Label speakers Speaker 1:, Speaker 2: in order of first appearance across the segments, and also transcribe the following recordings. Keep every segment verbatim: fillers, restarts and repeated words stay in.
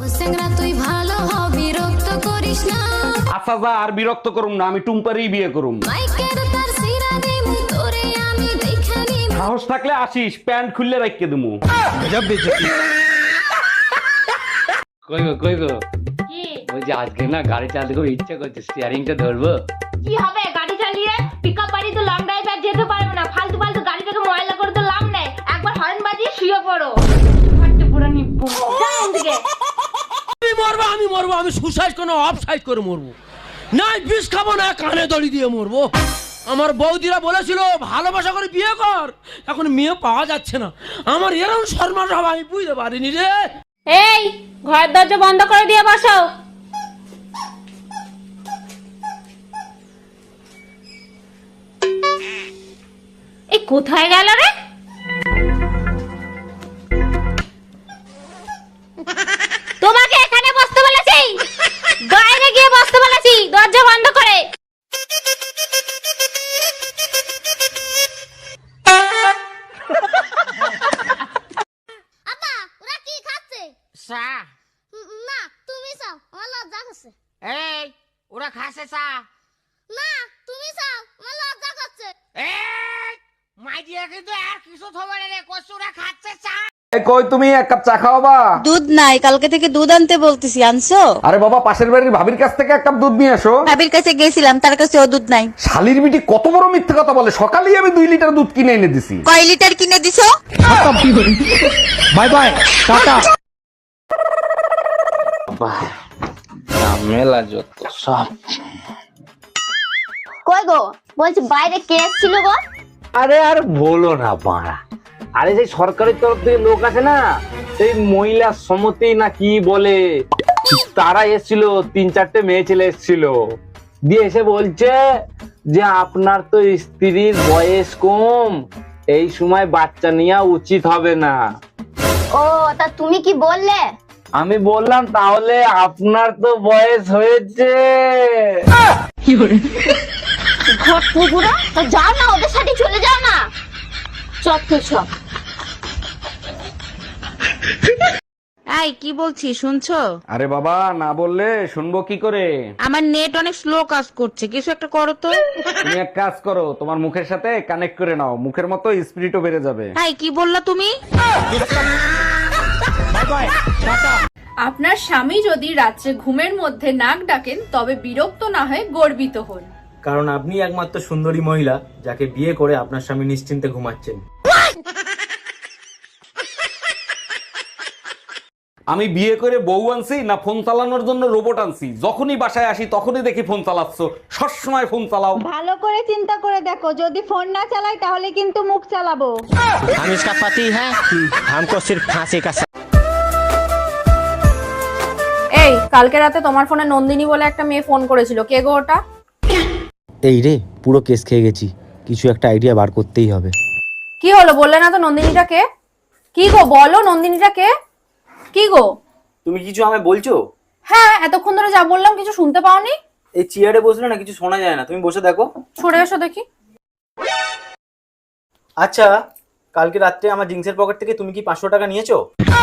Speaker 1: আচ্ছা যা, আর বিরক্ত করুম না, আমি টুম্পারই বিয়ে করুম। সাহস থাকলে আসিস, প্যান্ট খুললে রাখিয়ে দিমু।
Speaker 2: কই গো কই গো,
Speaker 3: কি
Speaker 2: ওই যে আজকে না গাড়ি চালাতে খুব ইচ্ছা করছে, স্টিয়ারিংটা ধরবো।
Speaker 3: কি হবে গাড়ি চালিয়ে? পিকআপ বাড়ি তো লং ড্রাইভ আর যেতে পারবে না, ফালতু ফালতু গাড়িটাকে ময়লা করে তো লাভ নেই। একবার হর্ন বাজিয়ে শুয়ে পড়ো। ফাটতে পুরো নিপ্পু যাও দিকে।
Speaker 4: আমি মরবো আমি মরবো আমি সুসাইড কোনো অফ সাইড করে মরবো, না বিষ খাবো না কানে দড়ি দিয়ে মরবো। আমার বৌদিরা বলেছিল ভালোবাসা করে বিয়ে কর, এখন মেয়ে পাওয়া যাচ্ছে না। আমার এরকম শর্মা সব আমি বুঝতে পারিনি রে।
Speaker 3: এই ঘরের দরজা বন্ধ করে দিয়ে বসো। এই কোথায় গেল রে? তোমাকে এখানে বসতে বলেছি, বাইরে গিয়ে বসতে বলেছি, দরজা বন্ধ করে।
Speaker 5: আপা ওরা কি খাচ্ছে?
Speaker 6: চা।
Speaker 5: উম, না তুমি চাও, আমার লজ্জা করছে।
Speaker 6: এই ওরা খাসে চা।
Speaker 5: না তুমি চাও, আমার লজ্জা করছে।
Speaker 6: এই মাইদিয়া কিন্তু আর কিছু থবে রে, কচুরা খাচ্ছে চা।
Speaker 1: এই কই তুমি, এক কাপ চা খাওয়াবা?
Speaker 7: দুধ নাই, কালকে থেকে দুধ আনতে বলতেছি, আনছো?
Speaker 1: আরে বাবা, পাশের বাড়ির ভাবির কাছ থেকে এক কাপ দুধ নিয়ে আসো।
Speaker 7: ভাবির কাছে গেছিলাম, তার কাছে ও দুধ নাই।
Speaker 1: শালির বিটি কত বড় মিথ্যে কথা বলে, সকালেই আমি দুই লিটার দুধ কিনে এনে দিছি।
Speaker 7: কয় লিটার কিনে দিছো?
Speaker 4: Bye bye tata.
Speaker 2: মেলা যত সব।
Speaker 5: কই গো, বলছি বাইরে কে ছিল গো?
Speaker 8: আরে আর বলো না বাড়া, আরে সেই সরকারের তরফ থেকে লোক আছে না, সেই মহিলা সমিতি না কি বলে, তারা এসেছিল, তিন চারটে মেয়ে ছেলে এসেছিল, দিয়ে এসে বলছে যে আপনার তো স্ত্রীর বয়স কম, এই সময় বাচ্চা নেওয়া উচিত হবে না।
Speaker 5: ও তা তুমি কি বললে?
Speaker 8: আমি বললাম তাহলে আপনার তো বয়স হয়েছে।
Speaker 5: ঘর পুকুরা তা যাও না, ওদের সাথে চলে যাও না। চট সব
Speaker 7: এই কি বলছি শুনছো?
Speaker 1: আরে বাবা, না বললে শুনবো কি করে?
Speaker 7: আমার নেট অনেক স্লো কাজ করছে, কিছু একটা করো তো।
Speaker 1: তুমি এক কাজ করো, তোমার মুখের সাথে কানেক্ট করে নাও, মুখের মতো স্পিরিটও বেড়ে যাবে।
Speaker 7: এই কি বললা তুমি?
Speaker 9: আপনার স্বামী যদি রাত্রে ঘুমের মধ্যে নাক ডাকেন তবে বিরক্ত না হয়ে গর্বিত হন,
Speaker 10: কারণ আপনি একমাত্র সুন্দরী মহিলা যাকে বিয়ে করে আপনার স্বামী নিশ্চিন্তে ঘুমাচ্ছেন।
Speaker 1: আমি বিয়ে করে বউ আনছি না ফোন চালানোর জন্য রোবট আনছি? যখনই বাসায় আসি তখনই দেখি ফোন চালাচ্ছ, সবসময় ফোন চালাও।
Speaker 11: ভালো করে চিন্তা করে দেখো, যদি ফোন না চালাই তাহলে কিন্তু মুখ চালাবো।
Speaker 4: हम इसका पति है, हमको सिर्फ फांसी का।
Speaker 9: এই কালকে রাতে তোমার ফোনে নন্দিনী বলে একটা মেয়ে ফোন করেছিল, কে গো ওটা?
Speaker 10: এই রে, পুরো কেস খেয়ে গেছি, কিছু একটা আইডিয়া বার করতেই হবে।
Speaker 9: কি হলো বললে না তো নন্দিনীটা কে? কি গো বলো, নন্দিনীটা কে? কি গো?
Speaker 10: তুমি কিছু আমায় বলছো?
Speaker 9: হ্যাঁ, এতক্ষণ ধরে যা বললাম কিছু শুনতে পাওনি?
Speaker 10: এই চেয়ারে বসলে না কিছু শোনা যায় না, তুমি বসে দেখো।
Speaker 9: সরে এসো দেখি।
Speaker 10: আচ্ছা, কালকে রাত্রে আমার জিন্সের পকেট থেকে তুমি কি পাঁচশো টাকা নিয়েছো?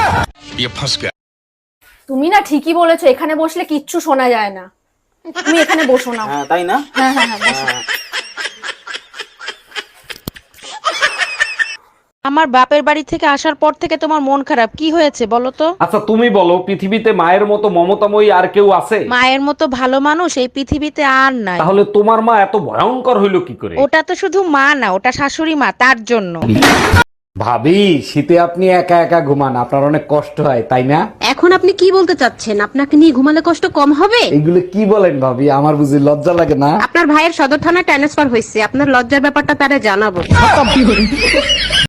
Speaker 9: তুমি না ঠিকই বলেছো, এখানে বসলে কিচ্ছু শোনা যায় না। তুমি এখানে বসো না।
Speaker 10: হ্যাঁ তাই না?
Speaker 9: হ্যাঁ হ্যাঁ হ্যাঁ বসো।
Speaker 10: হ্যাঁ।
Speaker 7: আমার বাপের বাড়ি থেকে আসার পর থেকে তোমার মন খারাপ, কি হয়েছে বলো তো?
Speaker 1: আচ্ছা তুমি বলো, পৃথিবীতে মায়ের মতো মমতাময়ী আর কেউ আছে?
Speaker 7: মায়ের মতো ভালো মানুষ এই পৃথিবীতে আর নাই।
Speaker 1: তাহলে তোমার মা এত ভয়ঙ্কর হইলো কি করে?
Speaker 7: ওটা তো শুধু মা না, ওটা শাশুড়ি মা, তার জন্য।
Speaker 1: ভাবি, শীতে আপনি একা একা ঘুমান, আপনার অনেক কষ্ট হয় তাই না?
Speaker 11: এখন আপনি কি বলতে চাচ্ছেন? আপনাকে নিয়ে ঘুমালে কষ্ট কম হবে?
Speaker 1: এগুলো কি বলেন ভাবি, আমার বুঝি লজ্জা লাগে না?
Speaker 11: আপনার ভাইয়ের সদর থানায় ট্রান্সফার হয়েছে, আপনার লজ্জার ব্যাপারটা তারে জানাবো।